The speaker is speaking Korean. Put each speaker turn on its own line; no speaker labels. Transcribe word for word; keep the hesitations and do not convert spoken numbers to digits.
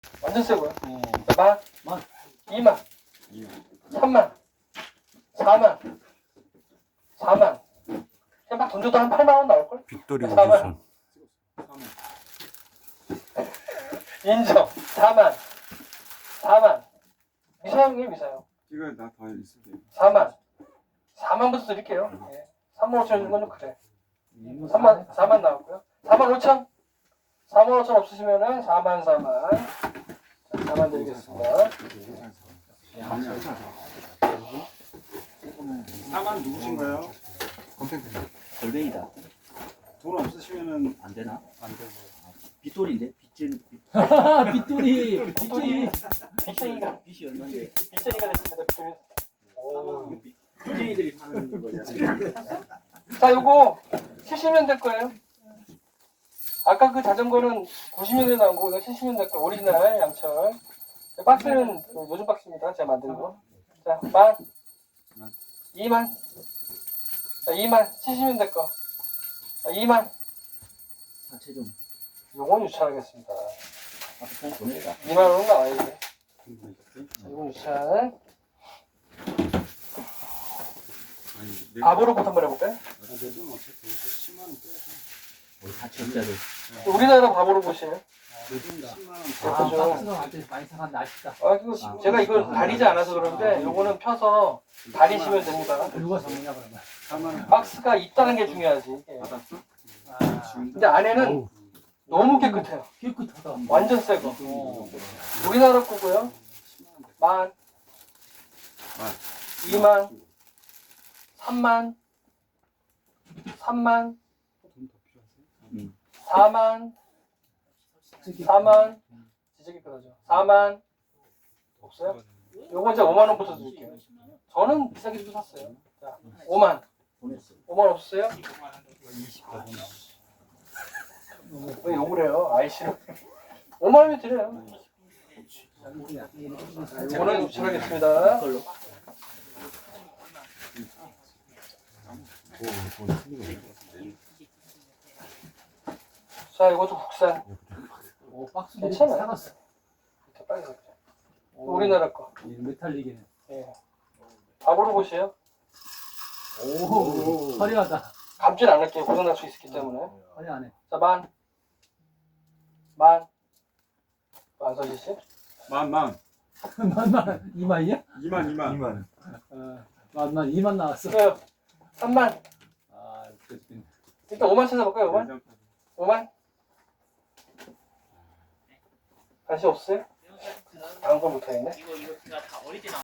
완전 세고요.
어.
자, 만,
만.
이만, 삼만, 사만, 사만. 그냥 막 던져도 한 팔만 원 나올걸?
빅토리
사만.
우주선.
인정. 사만, 사만. 미사용이에요, 미사용.
이거 나 더 있을게요.
사만. 사만부터 드릴게요. 예. 삼만 오천 주는 건 좀 그래. 삼만, 사만 나왔고요. 사만 오천. 사만 오천 없으시면은 사만, 사만. 자, 사만 드리겠습니다.
사만 누구신가요?
골뱅이다.
돈 없으시면은
안 되나?
안 되고.
빗돌인데? 빗진.
빗돌이 빗돌이
빚쟁이가,
빗이 얼마인데?
빚쟁이가 됐습니다. 빚쟁이. 오.
빗쟁이들이 파는 거잖아.
자, 요거 칠십 년대 거예요. 아까 그 자전거는 구십 년대 나온 거고, 이거 칠십 년대 거 오리지널 양철. 박스는 요즘 박스입니다. 제가 만든 거. 자, 만, 이만, 자, 이만, 칠십 년대 거. 자, 이만.
사체 좀.
요건 유찰하겠습니다.
아까 그냥 보내라.
이만 원은 나와요, 이게. 자, 요건 유찰.
아니, 내
밥으로부터 한번 해볼까요?
내돈 어차피 십만 원 빼서.
우리 사체업자들.
우리나라 밥으로 보시네요.
내돈 십만 원.
아
예쁘죠?
박스가 완전 많이 상한데 아쉽다.
아, 이거 제가 이걸 다리지 않아서 그런데 요거는 펴서 다리시면 됩니다.
누가 정리냐 그러면.
사만 원.
박스가 있다는 게 중요하지. 이게.
받았어?
아
근데 안에는 너무 깨끗해요.
깨끗하다.
완전 새 거.
어.
우리나라 거고요. 만,
만.
이만, 삼만, 삼만,
돈더 필요하세요?
응.
사만, 사만, 진짜 깨끗하죠. 사만, 없어요? 요거 이제 오만 원부터 드릴게요. 저는 비싸게 주고 샀어요. 자, 오만,
보냈어.
오만 없어요? 왜 욕을 해요? 아이씨를. 오만 원이 드려요. 요거는 유출하겠습니다.
그걸로.
자, 이것도 국산.
오 박스들이
괜찮아요.
사갔어.
이렇게 빨간색. 우리나라 거.
이 메탈릭이네.
예. 밥으로 보세요.
오 화려하다.
감질 않을게요. 고장날 수 있기 때문에.
화려하네.
자, 만. 만. 만서지 씨.
만만.
만만 이만이야?
이만 이만. 이만.
어 만만 이만 나왔어.
그 삼만.
아 그렇지.
일단 오만 찾아볼까요? 오만? 오만? 다시 없어요? 다음 거 못하겠네.